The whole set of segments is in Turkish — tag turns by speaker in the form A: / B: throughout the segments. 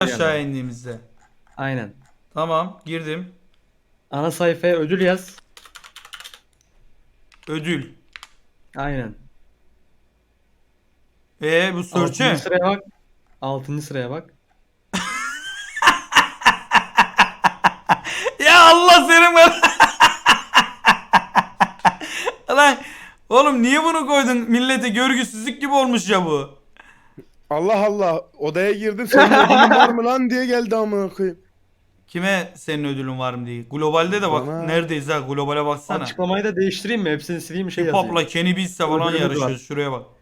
A: aşağı indiğimizde.
B: Aynen.
A: Tamam, girdim.
B: Ana sayfaya ödül yaz.
A: Ödül.
B: Aynen.
A: Bu
B: 6.
A: search'e.
B: sıraya bak. 6. sıraya bak.
A: Ya Allah senin ben. Lan oğlum niye bunu koydun? Millete görgüsüzlük gibi olmuş ya bu.
C: Allah Allah, odaya girdim, senin ödülün var mı lan diye geldi amına koyayım.
A: Kime senin ödülün var mı diye. Globalde de bak
C: Bana.
A: neredeyiz ha, globale baksana.
B: Açıklamayı da değiştireyim mi? Hepsini sileyim şey
A: Hip
B: yazayım.
A: Hop'la Kenny Beats'le falan
B: Ödülümüz
A: yarışıyoruz.
B: var.
A: Şuraya bak.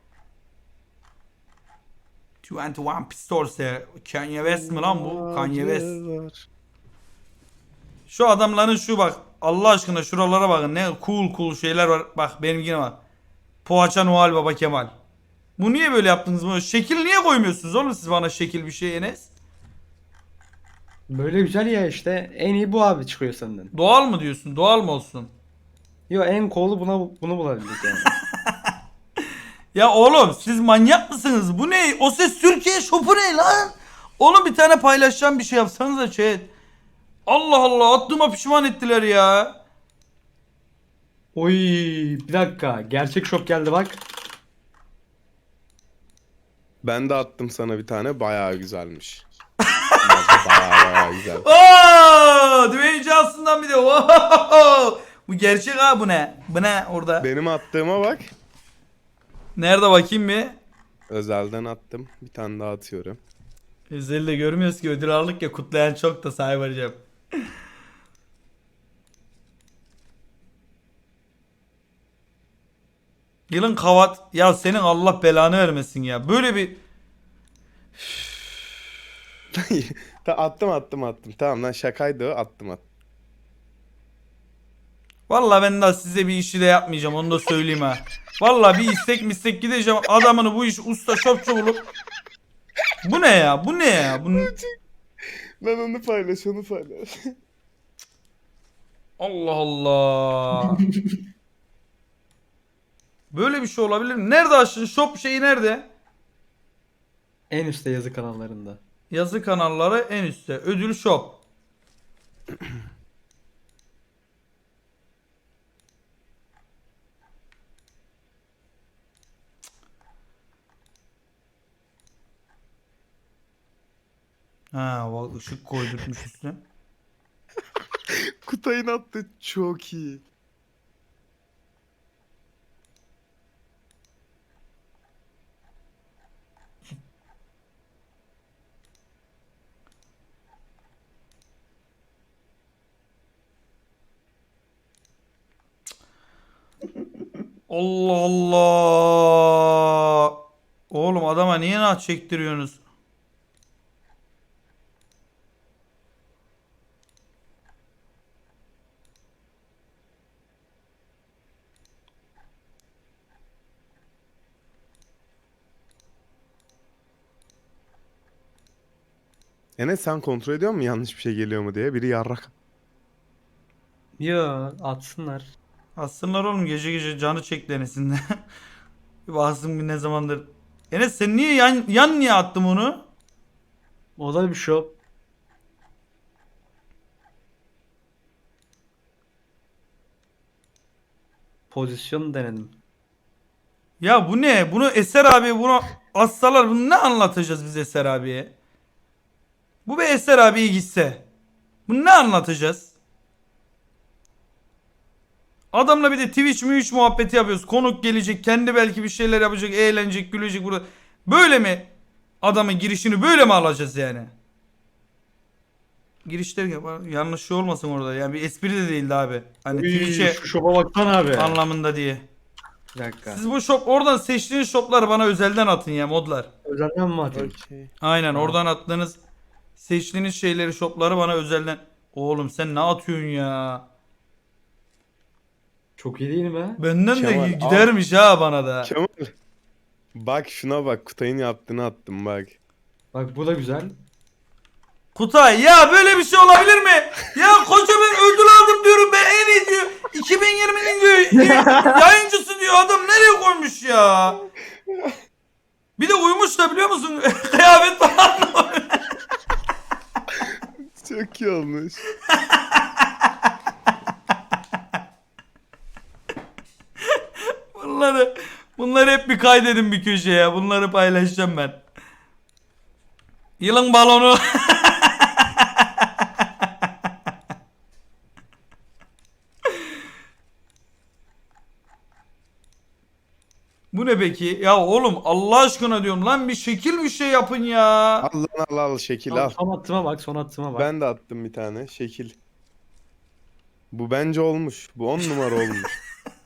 A: 21 Pistols ya. Kanye West mi lan bu? Kanye West.
C: Var.
A: Şu adamların şu bak. Allah aşkına şuralara bakın. Ne cool şeyler var. Bak benimkine bak. Poğaça Noel Baba Kemal. Bu niye böyle yaptınız bunu? Şekil niye koymuyorsunuz oğlum siz bana şekil bir şey Enes?
B: Böyle güzel ya işte. En iyi bu abi çıkıyor senden.
A: Doğal mı diyorsun? Doğal mı olsun?
B: Yo en cool'u bunu bulabildik yani.
A: Ya oğlum siz manyak mısınız? Bu ne? O Ses Türkiye Shop'u ne lan? Oğlum bir tane paylaşacağım bir şey yapsanıza chat. Allah Allah attığıma pişman ettiler ya.
B: Oy bir dakika. Gerçek şok geldi bak.
C: Ben de attım sana bir tane, bayağı güzelmiş. bayağı güzel.
A: Oo! Dwayne Johnson'dan bir de. Oo! Bu gerçek ha bu ne? Bu ne orada?
C: Benim attığıma bak.
A: Nerede bakayım bir?
C: Özelden attım. Bir tane daha atıyorum.
A: Özel'de görmüyoruz ki ödül aldık ya, kutlayan çok da Cybercam. Yılın kavat ya, senin Allah belanı vermesin ya. Böyle bir
C: Attım. Tamam lan, şakaydı o, attım.
A: vallahi ben daha size bir işi de yapmayacağım, onu da söyleyeyim ha. Vallahi bir istek gideceğim adamını bu iş usta şopçu bulup. Bu ne ya? Bu ne ya? Bu...
C: Lan onu paylaş.
A: Allah Allah. Böyle bir şey olabilir mi? Nerede aşın shop şeyi nerede?
B: En üstte yazı kanallarında.
A: Yazı kanalları en üstte. Ödül shop. Ha, bak ışık koydurtmuş üstüne.
C: Kutay'ın attı çok iyi.
A: Allah Allah. Oğlum adama niye naç çektiriyorsunuz?
C: Enes, sen kontrol ediyor musun yanlış bir şey geliyor mu diye? Biri yarrak.
B: Yo atsınlar.
A: Aslında oğlum gece gece canı çekti Enes'in de. Bir baksın bir ne zamandır. Enes sen niye yan niye attın onu?
B: O da bir şok. Pozisyon denedim.
A: Ya bu ne? Bunu Eser abi bunu assalar, bunu ne anlatacağız biz Eser abiye? Bu bir Eser abiye gitse. Bunu ne anlatacağız? Adamla bir de Twitch muhabbeti yapıyoruz. Konuk gelecek, kendi belki bir şeyler yapacak, eğlenecek, gülecek burada. Böyle mi? Adamın girişini böyle mi alacağız yani? Girişler yanlış şey olmasın orada. Yani bir espri de değildi abi. Hani Twitch'e
B: Şu şopa baksana abi.
A: anlamında diye.
B: Bir dakika.
A: Siz bu shop oradan seçtiğiniz shopları bana özelden atın ya modlar.
B: Özelden mi atayım?
C: Okey.
A: Aynen oradan attığınız seçtiğiniz şeyleri shopları bana özelden. Oğlum sen ne atıyorsun ya?
B: Çok iyi değil mi?
A: Benden de
C: Kemal,
A: gidermiş ha bana da.
C: Kemal. Bak şuna bak, Kutay'ın yaptığını attım bak.
B: Bak bu da güzel.
A: Kutay ya böyle bir şey olabilir mi? Ya koca ben ödül aldım diyorum, ben en iyi diyor. 2020'nin diyor yayıncısı diyor, adam nereye koymuş ya? Bir de uyumuş da biliyor musun? Kıyafet falan.
C: Çok iyi olmuş.
A: Bunları hep bir kaydedin bir köşeye. Bunları paylaşacağım ben. Yılın balonu. Bu ne peki? Ya oğlum Allah aşkına diyorum lan bir şekil bir şey yapın ya.
C: Al lan al şekil al.
B: Son attığıma bak, son attığıma bak.
C: Ben de attım bir tane şekil. Bu bence olmuş. Bu 10 numara olmuş.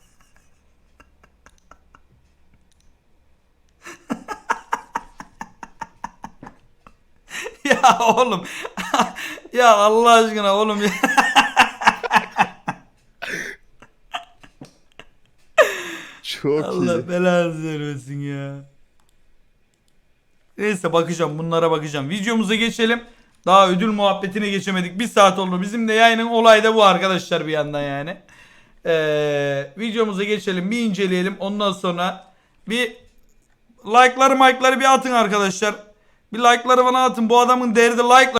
A: Ya oğlum. Ya Allah aşkına oğlum ya.
C: Çok
A: Allah
C: iyi.
A: belanı vermesin ya. Neyse bakacağım bunlara bakacağım. Videomuza geçelim. Daha ödül muhabbetine geçemedik. Bir saat oldu. Bizim de yayının olayı da bu arkadaşlar bir yandan yani. Videomuza geçelim. Bir inceleyelim. Ondan sonra bir like'ları bir atın arkadaşlar. Bir like'ları bana atın. Bu adamın derdi like.